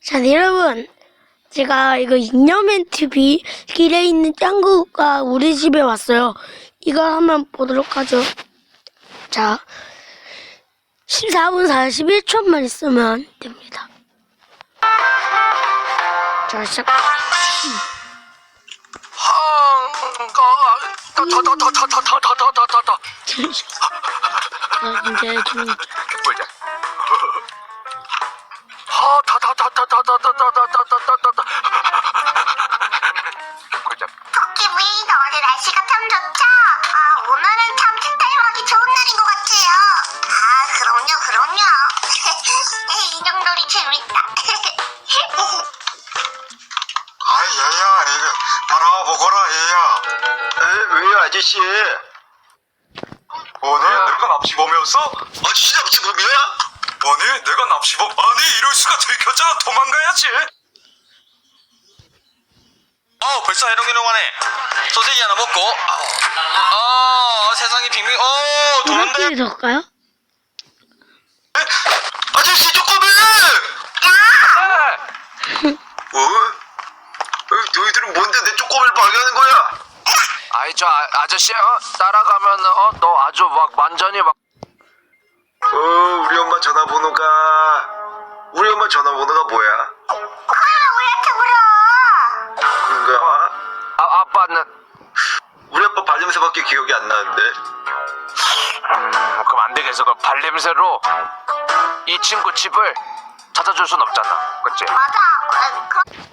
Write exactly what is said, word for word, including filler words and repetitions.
자, 네, 여러분. 제가 이거 잉여맨 티비 길에 있는 짱구가 우리 집에 왔어요. 이걸 한번 보도록 하죠. 자, 십사 분 사십일 초만 있으면 됩니다. 자, 시작. 타타타타타타타타타타타. 자, 이제 좀 보자. 하 타타타타타타타타타타타타. 보자. 토끼부인 오늘 날씨가 참 좋죠? 아, 오늘은 참 칠타임하기 좋은 날인 것 같아요. 아, 그럼요, 그럼요. 인형놀이 재밌다. 아 얘야 이거 바라보거라 얘야. 에 왜요 아저씨? 아니 내가 납치범이었어? 아저씨 납치범이야? 아니 내가 납치범? 아니 이럴 수가 들켰잖아. 도망가야지. 어 벌써 해롱해롱하네. 소세지 하나 먹고 어 세상이 빙빙 어 도는데. 이렇게 적까요? 에? 아저씨 조금만. 어? 어? 너희들은 뭔데 내 쪼꼬미를 발견하는 거야? 아이 저 아, 아저씨 어? 따라가면 어? 너 아주 막 완전히 막 어 우리 엄마 전화번호가 우리 엄마 전화번호가 뭐야? 아, 우리한테 물어. 그런가? 아, 아빠는 우리 아빠 발냄새밖에 기억이 안 나는데. 음, 그럼 안 되겠어. 그 발냄새로 이 친구 집을 찾아줄 순 없잖아. 그치? 맞아. 어, 그...